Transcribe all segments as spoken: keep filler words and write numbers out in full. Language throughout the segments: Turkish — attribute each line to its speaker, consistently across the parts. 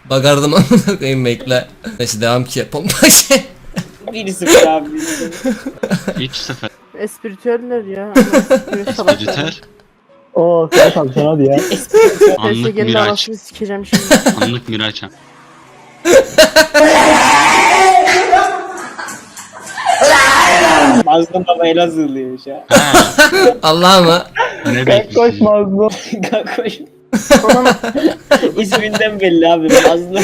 Speaker 1: Bakardım amına koyayım bekle. Neyse devam ki pompa şey.
Speaker 2: bir sıfır abi.
Speaker 3: üç sıfır.
Speaker 4: Espritüeller ya.
Speaker 3: Espritüel.
Speaker 5: Oo sen kalsın hadi ya.
Speaker 3: Anlık
Speaker 4: P S G'nin
Speaker 3: Miraç.
Speaker 4: anasını sikeceğim şimdi.
Speaker 3: Anlık Miraç'a.
Speaker 2: Mazlum baba Elazığlıymış ya.
Speaker 1: Allah mı?
Speaker 3: Ne
Speaker 5: Koş
Speaker 3: bekliyorsun?
Speaker 5: mazlum.
Speaker 2: Koş. İsminden belli abi Mazlum.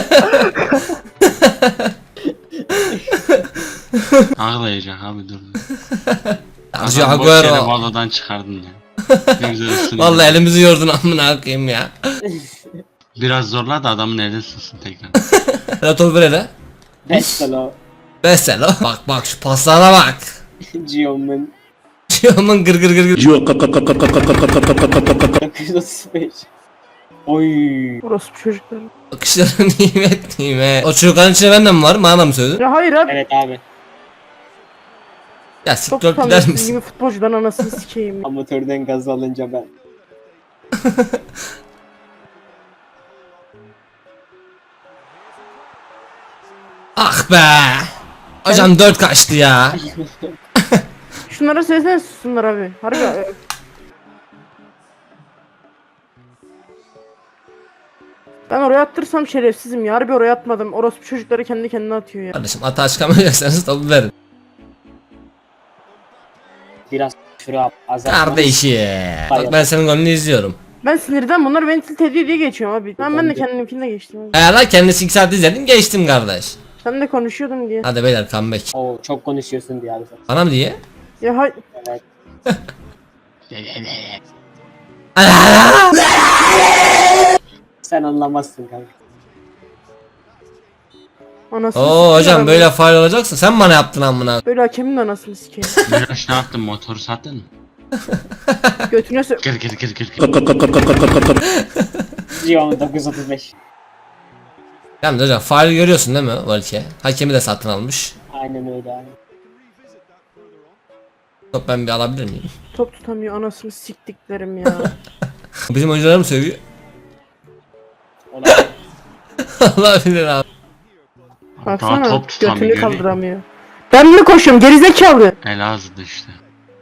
Speaker 3: Ağlayacak abi dur.
Speaker 1: Acı
Speaker 3: Adam boş yere
Speaker 1: Agüero.
Speaker 3: valadan çıkardın ya. Ne güzel ısındın.
Speaker 1: Vallahi elimizi yordun amına koyayım ya.
Speaker 3: Biraz zorla da adamın eli ısınsın tekrar.
Speaker 1: Hele top ver hele.
Speaker 2: Mesela.
Speaker 1: Mesela bak bak şu paslara bak.
Speaker 2: Gio'nun
Speaker 1: Aman gır gır gır gır.
Speaker 2: dokuz yüz otuz beş. Oy.
Speaker 4: Orası çocuklar.
Speaker 1: Bakışların nimet nimet. O çocukların içinde ben de mi varım? Bana da mı söyledin?
Speaker 4: Ya hayır abi.
Speaker 2: Evet abi.
Speaker 1: Ya
Speaker 4: Çok
Speaker 1: siktir gider
Speaker 4: tutamıyorsun
Speaker 1: misin?
Speaker 4: gibi futbolcudan anasını sikeyim.
Speaker 2: Amatörden gaz alınca ben.
Speaker 1: Ah be. Hocam dört kaçtı ya.
Speaker 4: Şunlara söylesene sussunlar abi. Harbi. e, Ben oraya attırsam şerefsizim ya. Harbi oraya atmadım. Orospu çocukları kendi kendine atıyor ya.
Speaker 1: Kardeşim hata çıkamayacaksanız topu verin.
Speaker 2: Biraz şuraya azaltma.
Speaker 1: Kardeşim. Bak ben senin golünü izliyorum.
Speaker 4: Ben sinirden bunlar beni tilt ediyor diye geçiyorum abi. Ben, ben de kendimkinde geçtim abi.
Speaker 1: Eğer lan kendisi iki saat izledim geçtim kardeş.
Speaker 4: Sen de konuşuyordun diye.
Speaker 1: Hadi beyler comeback.
Speaker 2: Oo çok konuşuyorsun diye abi sen.
Speaker 1: Bana mı diye?
Speaker 4: Ya hay...
Speaker 2: Evet. Sen anlamazsın kanka.
Speaker 4: Anasını
Speaker 1: Oo
Speaker 4: sikeyim
Speaker 1: hocam
Speaker 4: abi.
Speaker 1: böyle faal olacaksın. Sen bana yaptın amına.
Speaker 4: Böyle hakemin de anasını sikeyim.
Speaker 3: Miraç ne yaptın, motoru sattın mı?
Speaker 4: Götüne sö...
Speaker 3: Gır gır gır gır gır.
Speaker 2: Gio'nun dokuz yüz otuz beş.
Speaker 1: Yalnız hocam faal görüyorsun değil mi Valke? Hakemi de satın almış.
Speaker 2: Aynen öyle abi.
Speaker 1: Top ben bir alabilir miyim?
Speaker 4: Top tutamıyor anasını siktiklerim ya.
Speaker 1: Bizim oyuncular mı seviyor?
Speaker 2: Olabilir.
Speaker 1: Allah bilir abi.
Speaker 4: Baksana
Speaker 3: top tutamıyor,
Speaker 4: götünü
Speaker 3: görüyor
Speaker 4: kaldıramıyor. Ben mi koşuyorum gerizekalı?
Speaker 3: Elazığ'da işte.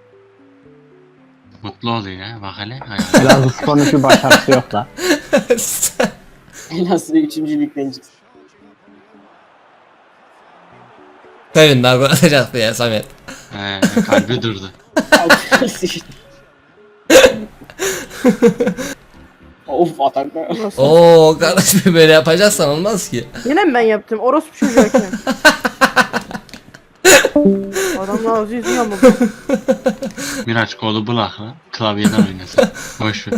Speaker 3: Mutlu oluyor ya, bak hele.
Speaker 5: Elazığ sporun hiçbir başarısı yok da.
Speaker 2: Nasıl üçüncü ligden çıksın.
Speaker 1: Kevin daha gol atacaktı ya Samet.
Speaker 3: He, kalbi durdu.
Speaker 2: Of ataklar.
Speaker 4: Nasıl?
Speaker 1: Oo kardeşim böyle yapacaksan olmaz ki.
Speaker 4: Yine mi ben yaptım? Orospu çocuğu hakem. Adamın ağzı yüzü yamuk.
Speaker 3: Miraç kolu bırak lan. Klavyeden oynasın. Boş ver.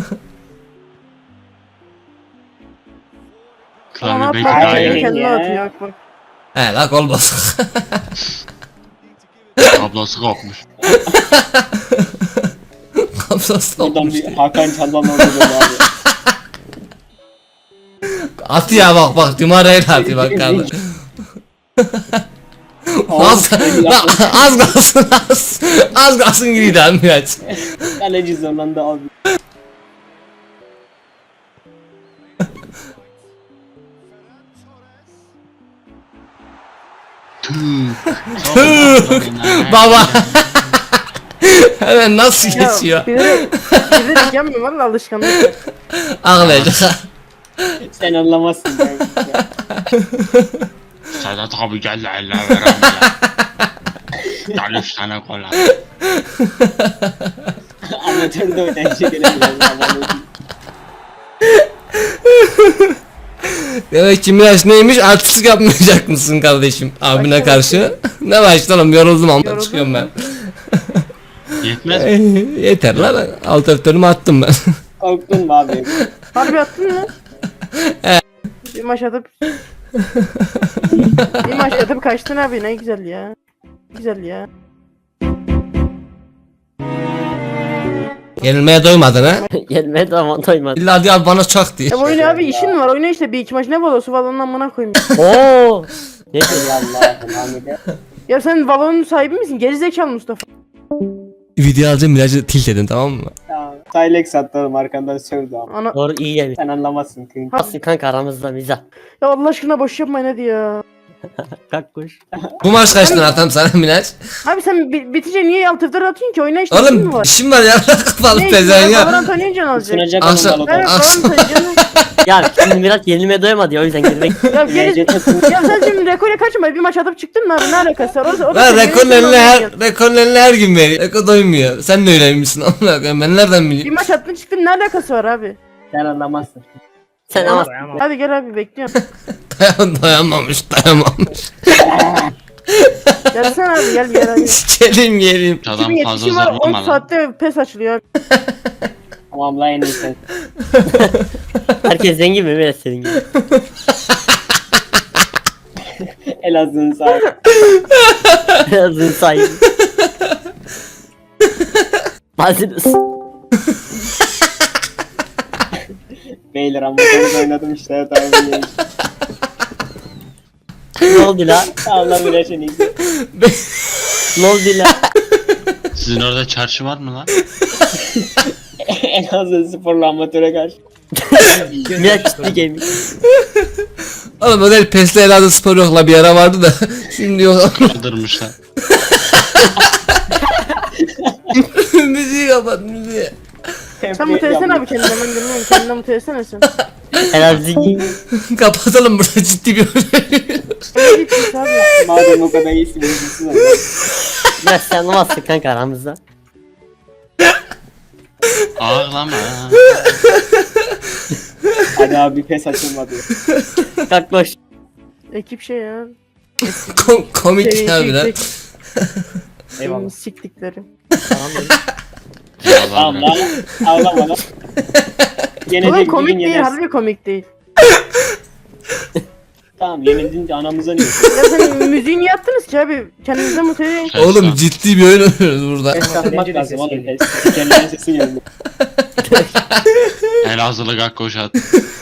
Speaker 4: Ama
Speaker 3: Klavye
Speaker 4: ne
Speaker 3: belki
Speaker 4: yapar?
Speaker 3: daha
Speaker 2: Aynen.
Speaker 4: Kendi
Speaker 3: iyi.
Speaker 4: kendine
Speaker 2: Ya.
Speaker 4: atıyor bak bak.
Speaker 1: He la gol bozuk.
Speaker 3: Kablosu kopmuş.
Speaker 1: Kapsası
Speaker 2: Buradan
Speaker 1: olmuş.
Speaker 2: bir Hakan Çaldan oldu böyle abi.
Speaker 1: At ya bak bak Dümara'yla atıyor bak kardeşim. Az, la, az kalsın az. Az kalsın gidiydi abi Miraç.
Speaker 2: Kaleci zorlandı abi.
Speaker 1: Baba. Hemen nasıl
Speaker 4: Ya
Speaker 1: geçiyor?
Speaker 4: bilerek, bilerek yapmıyorum valla alışkanlık.
Speaker 1: Ağlayacak.
Speaker 2: Sen anlamazsın kanka.
Speaker 3: Sedat abi gel la eller verem ya. Gel üç tane gol at.
Speaker 2: Amatörde oynayınca gelemiyoruz abi.
Speaker 1: Demek ki Miraç neymiş artistlik yapmayacak mısın kardeşim abine karşı? Ne başlayalım yoruldum ama
Speaker 4: Yoruldun
Speaker 1: çıkıyorum ben.
Speaker 4: mu?
Speaker 3: Yetmez mi?
Speaker 1: Eh, Yeter lan alt öftörümü attım ben.
Speaker 2: Korktun mu abi?
Speaker 4: Harbi attın mı? Bir maç atıp... bir maç atıp kaçtın abi ne güzel ya. Güzel ya.
Speaker 1: Yenilmeye doymadın ha?
Speaker 2: Gelmedi ama doymadı.
Speaker 1: İlla diyor bana çak diye.
Speaker 4: Ya oyna abi işin var oyna işte bir iki maç ne valosu valonun amına koyayım.
Speaker 2: Oo. Ne diyor Allah'ım Hamide?
Speaker 4: Ya sen valonun sahibi misin? Gerizekalı Mustafa.
Speaker 1: Video alacağım Miraç'ı tilt edin tamam mı?
Speaker 2: Tamam. Silex attım arkandan sövdü ama.
Speaker 4: Ana...
Speaker 2: Doğru iyi yemiş. Sen anlamazsın kanka.
Speaker 6: Nasıl kanka aramızda mizah.
Speaker 4: Ya Allah aşkına boş yapmayın hadi ya.
Speaker 6: Kalk koş.
Speaker 1: Bu maç kaç tane atam sana Miraç?
Speaker 4: Abi sen bi bitince niye alt F'den atıyorsun ki? Oyna işte. işin mi
Speaker 1: Oğlum
Speaker 4: var?
Speaker 1: işim var ya. Kapalı
Speaker 4: Ne işin
Speaker 1: pezeven
Speaker 4: var?
Speaker 1: ya.
Speaker 4: Valorant oynayacaksın azıcık.
Speaker 2: Sunacak
Speaker 1: Akşam-
Speaker 2: onun
Speaker 4: Evet
Speaker 2: balonu.
Speaker 1: Akşam-
Speaker 4: Valorant oynayacaksın.
Speaker 6: Ya şimdi Miraç yenilmeye doyamadı ya o yüzden girmek.
Speaker 4: Ya geri... ya sen şimdi rekora kaçma. Bir maç atıp çıktın mı abi? Ne alakası var? O, o da
Speaker 1: Lan
Speaker 4: senin
Speaker 1: rekorun
Speaker 4: yerin
Speaker 1: eline her,
Speaker 4: oynayacaksın.
Speaker 1: rekorun eline her gün veriyor. Rekor doymuyor. Sen de öyleymişsin. Amına koyayım ben nereden
Speaker 4: Bir
Speaker 1: bileyim?
Speaker 4: maç attın çıktın ne alakası var abi?
Speaker 2: Sen anlamazsın.
Speaker 6: Sen ama
Speaker 4: Hadi gel abi bekliyorum.
Speaker 1: Dayan, dayanmamış dayanmamış.
Speaker 4: Gelsene abi gel gel hadi.
Speaker 1: Gelin gelin.
Speaker 3: Adam
Speaker 4: Kimin
Speaker 3: fazla
Speaker 4: yetişim var on
Speaker 3: zorlama lan.
Speaker 4: saatte pes açılıyor abi.
Speaker 2: Tamam la en iyi sen.
Speaker 6: herkes zengin mi Miraç senin gibi?
Speaker 2: Elazığ'ın sahibi.
Speaker 6: Birazın sahibi. Hazırız.
Speaker 2: Beyler ama ben oynadım işte tamam iyi.
Speaker 6: Ne oldu la?
Speaker 2: Tamam lan Miraç en iyisi.
Speaker 6: Ne oldu la?
Speaker 3: Sizin orada çarşı var mı lan?
Speaker 2: Elazığ sporlu amatöre karşı.
Speaker 6: Miraç ciddi gelmiş.
Speaker 1: Oğlum öyle pesle Elazığ spor yok la bir ara vardı da. Şimdi yok.
Speaker 3: Kaldırmışlar.
Speaker 1: Müziği kapat müziği.
Speaker 4: Sen mutlu etsene abi kendine ben dinliyorum. Kendine mutlu etsene sen.
Speaker 6: Herhalde
Speaker 1: Kapatalım burada ciddi bir
Speaker 4: Ne gitmiş abi?
Speaker 2: Madem o kadar iyisin üzülsün ama.
Speaker 6: Miraç sen anlamazsın kanka aramızda.
Speaker 3: Ağlama.
Speaker 2: Hadi abi pes açılmadı.
Speaker 6: Kalk koş.
Speaker 4: Ekip şey ya.
Speaker 1: Kom komik
Speaker 4: Senin
Speaker 1: ya biraz.
Speaker 4: yüksek-
Speaker 2: Eyvallah.
Speaker 4: Senin siktikleri.
Speaker 2: Tamam lan. Ağlama lan. Yenecek
Speaker 4: Oğlum
Speaker 2: bir
Speaker 4: komik
Speaker 2: gün
Speaker 4: değil
Speaker 2: yenersin.
Speaker 4: harbi komik değil.
Speaker 2: Tamam yenildin de anamıza niye?
Speaker 4: Ya sen müziği niye attınız ki abi? Kendinize mutlu edin.
Speaker 1: Oğlum ciddi bir oyun oynuyoruz burada.
Speaker 2: Kapatmak lazım oğlum. Pes. Kendine sesi geldi.
Speaker 3: Elazığlı gakkoş at.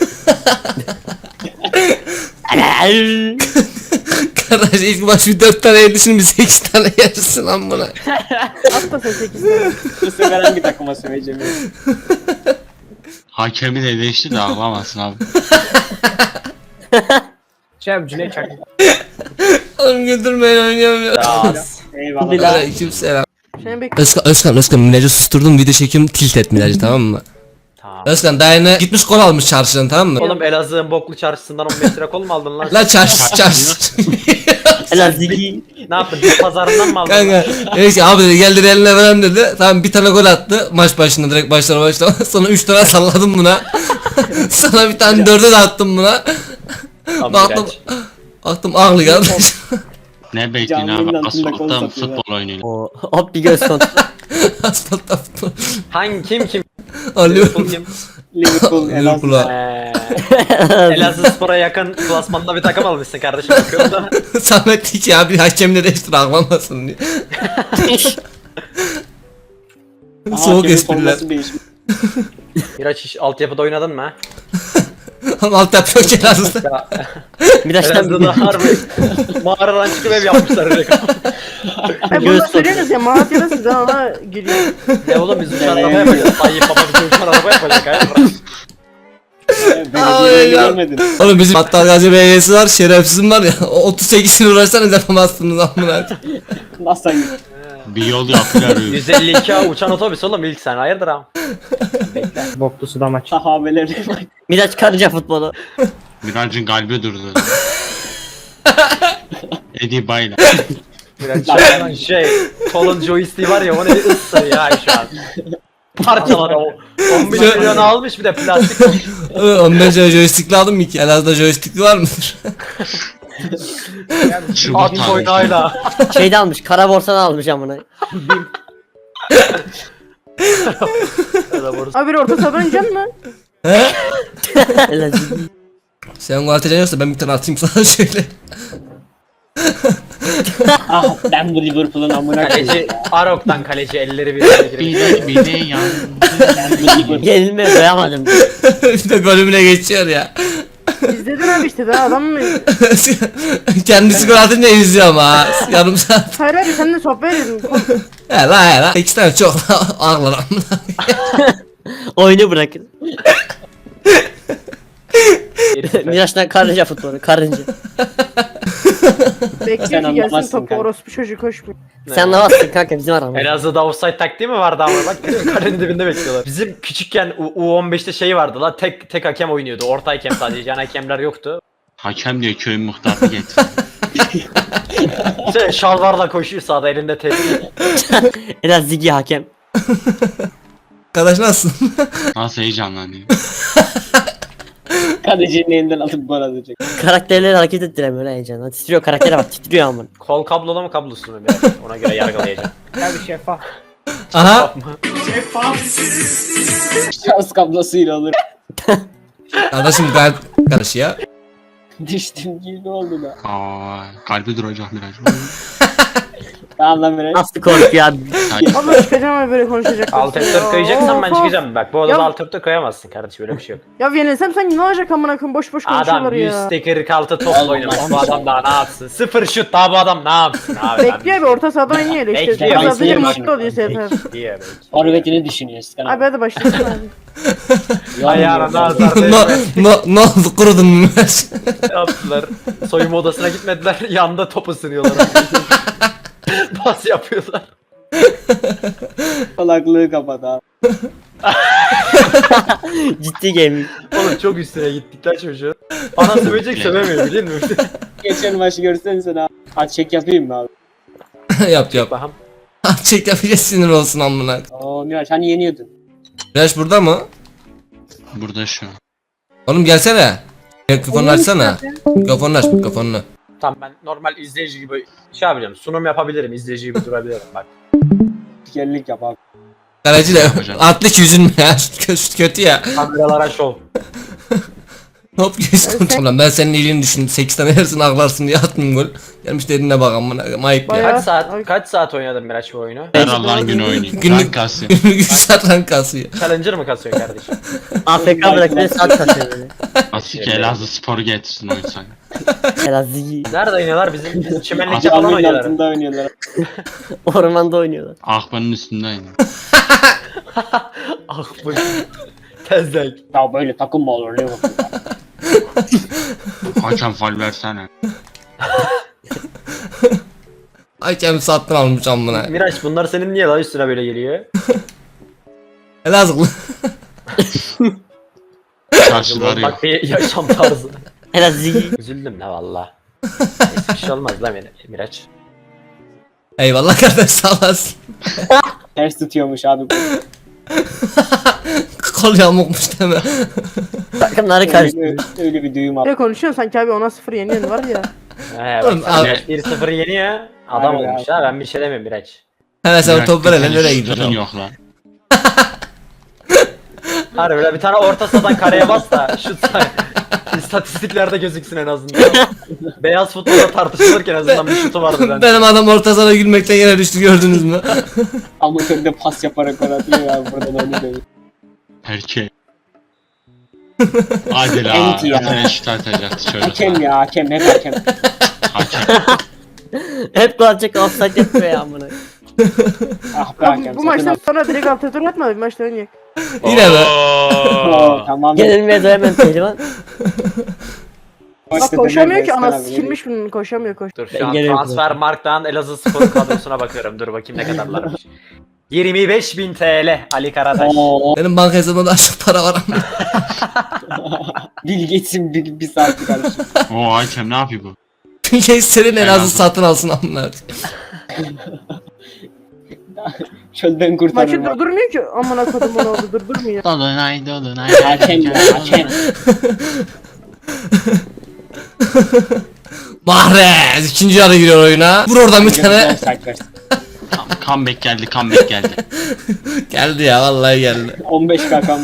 Speaker 1: Kardeş ilk baş bir dört tane yedi şimdi sekiz tane yersin lan buna.
Speaker 4: At da sen sekiz tane.
Speaker 2: Bu sefer hangi takıma söyleyeceğim?
Speaker 3: Hakemi de değişti de ağlamasın abi.
Speaker 1: Oğlum güldürmeyin oynayamıyorum.
Speaker 2: Eyvallah.
Speaker 1: Aleyküm selam.
Speaker 4: Seni bekliyorum.
Speaker 1: Özkan, Özkan, Özkan Mirac'ı susturdum video çekiyorum tilt et Mirac'ı tamam mı?
Speaker 7: Tamam.
Speaker 1: Özkan daha yine gitmiş kol almış çarşıdan tamam mı?
Speaker 7: Oğlum Elazığ'ın boklu çarşısından on beş lira kol mu aldın lan?
Speaker 1: Lan çarşı çarşı.
Speaker 6: Elazığ.
Speaker 7: Ne yaptın? Bit pazarından mı aldın?
Speaker 1: Kanka dedi ki abi dedi geldi eline veren dedi. Tamam bir tane gol attı maç başında direkt başlar başlama. Sonra üç tane salladım buna. Sonra bir tane dörde de attım buna.
Speaker 7: Tamam,
Speaker 1: Baktım,
Speaker 7: Miraç.
Speaker 1: baktım ağlı kardeş.
Speaker 3: Ne bekliyorsun
Speaker 2: Canlının
Speaker 3: abi?
Speaker 2: altında kol
Speaker 3: Asfaltta
Speaker 2: satıyor.
Speaker 3: futbol oynuyor.
Speaker 6: O hop bir göz kontrol.
Speaker 1: Asfaltta futbol.
Speaker 7: Hangi kim kim?
Speaker 1: Alıyorum.
Speaker 7: Futbol kim?
Speaker 2: Liverpool, Elazığ.
Speaker 1: Liverpool'a.
Speaker 7: Eee, Elazığ Spor'a yakın klasmanda bir takım almışsın kardeşim bakıyorum da.
Speaker 1: Samet hiç ya bir hakemle değiştir ağlamasın diye.
Speaker 2: Aha,
Speaker 1: Soğuk
Speaker 2: hakemin
Speaker 1: espriler.
Speaker 2: forması değişmiş.
Speaker 7: Miraç hiç altyapıda oynadın mı?
Speaker 1: Ama alt yapıyor ki Elazığ'da.
Speaker 7: Ya,
Speaker 6: Miraç'tan
Speaker 7: Elazığ'da harbi mağaradan çıkıp ev yapmışlar direkt.
Speaker 4: Ay
Speaker 6: Göz
Speaker 4: bunu söylüyorsunuz ya Malatya'da siz ona gülüyor.
Speaker 7: Ne oğlum biz uçan araba yapacağız. Tayyip baba bize uçan araba yapacak hayır.
Speaker 2: Belediyeyi
Speaker 1: ya.
Speaker 2: görmedin.
Speaker 1: Oğlum bizim Battal Gazi Belediyesi var şerefsizim var ya o otuz sekizini uğraşsanız yapamazsınız amına.
Speaker 2: Nasıl hangi?
Speaker 3: Bir yol yapıyorlar.
Speaker 7: yüz elli iki A uçan otobüs oğlum ilk sen hayırdır ha?
Speaker 5: Boklu suda maç.
Speaker 2: Sahabelerine bak.
Speaker 6: Miraç karınca futbolu.
Speaker 3: Miraç'ın kalbi durdu. Eddie Bayla.
Speaker 7: Miraç şey, şey kolun joystick'i var ya onu bir ıssır ya şu an. Parçalar o. on beş milyon almış bir de plastik olmuş.
Speaker 1: Ondan sonra joystickli aldım mı ki? Elazığ'da joystickli var mıdır?
Speaker 3: Çubuk
Speaker 7: At
Speaker 3: tanesi.
Speaker 7: oynayla.
Speaker 6: Şeyde almış kara borsadan almış amına.
Speaker 4: Abi bir orta sahadan oynayacaksın mı?
Speaker 1: He?
Speaker 6: Elazığ.
Speaker 1: Sen gol atacaksın yoksa ben bir tane atayım sana şöyle.
Speaker 2: Ah ben bu Liverpool'un amına koyayım.
Speaker 7: Kaleci Arok'tan kaleci elleri birbirine
Speaker 3: Bir
Speaker 7: girecek.
Speaker 3: de bir de yan.
Speaker 2: Ben bu Liverpool.
Speaker 6: Yenilmeye doyamadım.
Speaker 1: Bir de golümüne geçiyor ya.
Speaker 4: İzledin abi işte daha adam mı?
Speaker 1: Kendisi gol atınca izliyor ama yarım saat.
Speaker 4: Hayır abi sen de sohbet edin.
Speaker 1: He la he la. İki tane çok ağlar amına.
Speaker 6: Oyunu bırakın. Miraç'tan karınca futbolu, karınca.
Speaker 4: Bekliyor
Speaker 2: Sen
Speaker 4: ki gelsin
Speaker 2: anlamazsın
Speaker 4: topu
Speaker 2: kanka.
Speaker 4: orospu çocuğu koşmuyor.
Speaker 6: Sen anlamazsın kanka bizim aramız.
Speaker 7: Elazığ'da offside taktiği mi vardı ama bak kalenin dibinde bekliyorlar. Bizim küçükken U on beşte şey vardı la tek tek hakem oynuyordu. Orta hakem sadece yan hakemler yoktu.
Speaker 3: Hakem diye köyün muhtarını getir.
Speaker 7: Şey, şalvarla koşuyor sağda elinde tepki.
Speaker 6: Biraz Zigi hakem.
Speaker 1: Arkadaş nasılsın?
Speaker 3: Nasıl heyecanlanıyor.
Speaker 2: Kalecinin elinden alıp gol atacak.
Speaker 6: Karakterleri hareket ettiremiyor lan heyecanla. Titriyor karaktere bak titriyor amına.
Speaker 7: Kol kablolu mu kablosuz mu biraz ona göre yargılayacağım.
Speaker 5: Tabii şeffaf.
Speaker 1: Aha.
Speaker 2: Şans kablosuyla olur.
Speaker 1: Kardeşim gayet karış ya.
Speaker 2: Düştüm gibi oldu da.
Speaker 3: Aa, kalbi duracak Miraç.
Speaker 2: Tamam lan Miraç.
Speaker 6: Nasıl korkuyor abi.
Speaker 4: Abla çıkacağım ve böyle konuşacak.
Speaker 7: Alt F dört koyacaksan ben çıkacağım. Bak bu odada
Speaker 4: Ya-
Speaker 7: alt F dört koyamazsın kardeşim öyle bir şey yok.
Speaker 4: Ya yenilsem sen ne olacak amına koyayım boş boş konuşuyorlar
Speaker 7: Adam yüz
Speaker 4: ya.
Speaker 7: kırk altı topla oynamış. Bu adam daha ne yapsın? Sıfır şut daha bu adam ne yapsın abi?
Speaker 4: Bekliyor abi orta sahadan oynuyor öyle işte.
Speaker 7: Bekliyor,
Speaker 4: Orta sahada
Speaker 2: bekliyor.
Speaker 4: bir mutlu oluyor sefer.
Speaker 7: Bekliyor.
Speaker 2: Forvetini düşünüyorsun.
Speaker 4: Abi hadi başlasın abi.
Speaker 7: Ayağına nazar
Speaker 1: no,
Speaker 7: değmez.
Speaker 1: no, ne oldu kurudun mu?
Speaker 7: Ne yaptılar? Soyunma odasına gitmediler. Yanda top ısınıyorlar. Pas yapıyorlar.
Speaker 2: Salaklığı kapat abi.
Speaker 6: Ciddi gaming.
Speaker 7: Oğlum çok üstüne gittikler çocuğu. Bana sövecek sövemiyor biliyor musun?
Speaker 2: Geçen maçı görsen sen abi. Hadi çek yapayım mı abi?
Speaker 1: yap yap.
Speaker 7: Bakalım.
Speaker 1: Çek yapacağız sinir olsun amına.
Speaker 2: Oo Miraç hani yeniyordun.
Speaker 1: Flash burada mı?
Speaker 3: Burada şu an.
Speaker 1: Oğlum gelsene. Mikrofonunu açsana. Mikrofonunu aç mikrofonunu.
Speaker 7: Tamam ben normal izleyici gibi şey yapacağım. Sunum yapabilirim. İzleyici gibi durabilirim bak.
Speaker 2: Spikerlik yap abi.
Speaker 1: Kaleci de
Speaker 3: Yapacağım.
Speaker 1: atlık yüzün ya. Kötü, kötü ya.
Speaker 7: Kameralara şov.
Speaker 1: Hop geç konuş. Ulan ben senin iyiliğini düşündüm. sekiz tane yersin ağlarsın diye attım gol. Gelmiş dediğine bak amına. Ayıp ya.
Speaker 4: Bayağı-
Speaker 7: Kaç saat
Speaker 4: Ay.
Speaker 7: kaç saat oynadın Miraç bu oyunu?
Speaker 3: Her Allah'ın günü oynayayım.
Speaker 1: Günlük-
Speaker 3: Rank kasıyor.
Speaker 1: Günlük üç saat rank kasıyor.
Speaker 7: Challenger mı kasıyorsun kardeşim?
Speaker 6: A F K bırakıyor saat kasıyor böyle.
Speaker 3: Asik Elazığ sporu getirsin oysan.
Speaker 6: Biraz Zigi.
Speaker 7: Nerede oynuyorlar? Bizim, bizim çimenlikte
Speaker 3: Acaba
Speaker 7: falan
Speaker 2: Caminin
Speaker 7: oynuyorlar.
Speaker 2: altında oynuyorlar.
Speaker 6: Ormanda oynuyorlar.
Speaker 3: Akbanın üstünde oynuyor.
Speaker 7: Ah bu. Tezlek.
Speaker 2: Ya böyle takım mı olur Liverpool?
Speaker 3: Hakem fal versene.
Speaker 1: Hakem satın almış amına.
Speaker 7: Miraç bunlar senin niye lan üstüne böyle geliyor?
Speaker 1: Elazığlı.
Speaker 3: Karşıları yok.
Speaker 7: Bak bir yaşam tarzı.
Speaker 6: Biraz Zigi.
Speaker 7: Üzüldüm la valla. Neyse bir şey olmaz la Mir- Miraç.
Speaker 1: Eyvallah kardeş sağ olasın.
Speaker 2: Ters tutuyormuş abi.
Speaker 1: Kol yamukmuş deme.
Speaker 6: Takımları
Speaker 2: Öyle,
Speaker 6: karıştırıyor.
Speaker 2: bir- öyle bir düğüm abi.
Speaker 4: Ne konuşuyorsun sanki abi ona sıfır yeniyorsun var ya.
Speaker 7: He
Speaker 1: Oğlum,
Speaker 7: bak
Speaker 1: abi.
Speaker 7: Miraç bir sıfır yeniyor. Adam
Speaker 2: Harbi
Speaker 7: olmuş
Speaker 2: abi.
Speaker 7: ha ben bir şey demiyorum Miraç.
Speaker 1: Hemen sen
Speaker 3: Miraç,
Speaker 1: top ver hele
Speaker 3: bir tane
Speaker 1: nereye
Speaker 3: şutun
Speaker 1: gidiyorsun?
Speaker 3: yok lan.
Speaker 7: Harbi böyle bir tane orta sahadan kareye bas da şut say. İstatistiklerde gözüksün en azından. Beyaz futbolda tartışılırken en azından bir şutu vardı bende.
Speaker 1: Benim adam orta sahada gülmekten yere düştü gördünüz mü?
Speaker 2: Amatörde pas yaparak gol atıyor ya buradan onu dövüyor.
Speaker 3: Erkek. Hadi la.
Speaker 2: Enti ya.
Speaker 3: Bir tane şut atacaktı çocuk.
Speaker 2: Hakem ya hakem hep hakem.
Speaker 3: Hakem.
Speaker 6: Hep gol atacak offside yapıyor ya amına.
Speaker 2: Ah be
Speaker 4: Abi,
Speaker 2: hakem.
Speaker 4: bu
Speaker 2: sakın
Speaker 4: maçtan
Speaker 2: at.
Speaker 4: sonra direkt alt tur atma bir maçta oynayacak.
Speaker 1: Yine be.
Speaker 2: Oo, tamam.
Speaker 6: Yenilmeye doyamayan pehlivan.
Speaker 4: Bak koşamıyor ki ana sikilmiş bunun koşamıyor koş.
Speaker 7: Dur
Speaker 6: Ben
Speaker 7: şu an
Speaker 6: geliyorum
Speaker 7: transfer marktan Elazığ Spor kadrosuna bakıyorum. Dur bakayım ne kadarlarmış. yirmi beş bin T L Ali Karataş.
Speaker 2: Oo,
Speaker 1: Benim banka hesabımda daha çok para var ama.
Speaker 2: Bil geçsin bir, bir saat kardeşim.
Speaker 3: O hakem ne yapıyor bu?
Speaker 1: Türkiye senin en azı
Speaker 3: Elazığ.
Speaker 1: satın alsın amına.
Speaker 2: Çölden
Speaker 4: Maçı
Speaker 2: kurtarırım. abi.
Speaker 4: durdurmuyor ki amına kodum onu oldu durdurmuyor.
Speaker 3: Dolunay dolunay.
Speaker 2: Hakem ya hakem.
Speaker 1: Mahrez ikinci yarı giriyor oyuna. Vur oradan bir tane.
Speaker 2: Offside versin.
Speaker 3: Comeback geldi comeback geldi.
Speaker 1: Geldi ya vallahi geldi.
Speaker 2: on beş kakam.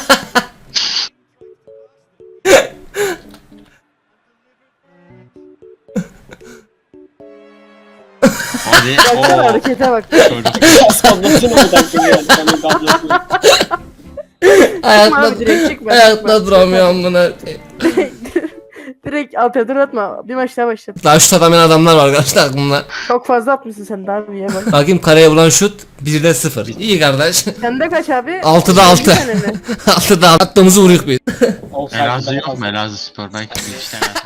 Speaker 3: Hadi.
Speaker 4: Baksana
Speaker 3: Oo.
Speaker 4: harekete bak.
Speaker 3: Çocuk.
Speaker 2: Kablosunu mu taktın ya? Senin kablosunu.
Speaker 4: Çıkma abi direkt çıkma.
Speaker 1: Ayakta duramıyor amına.
Speaker 4: Direkt altıya dur atma. Bir maç daha başlat.
Speaker 1: Daha şut atamayan adamlar var arkadaşlar aklımda.
Speaker 4: Çok fazla atmışsın sen daha bir ye bak.
Speaker 1: Bakayım kareye vuran şut birde sıfır. İyi kardeş.
Speaker 4: Sende kaç abi?
Speaker 1: Altıda altı.
Speaker 4: Bir tane mi?
Speaker 1: Altıda altı. Attığımızı vuruyoruz biz.
Speaker 2: Olsaydı
Speaker 3: Elazığ
Speaker 2: daha
Speaker 3: yok mu?
Speaker 2: fazla.
Speaker 3: Elazığ Spor belki bir iki tane.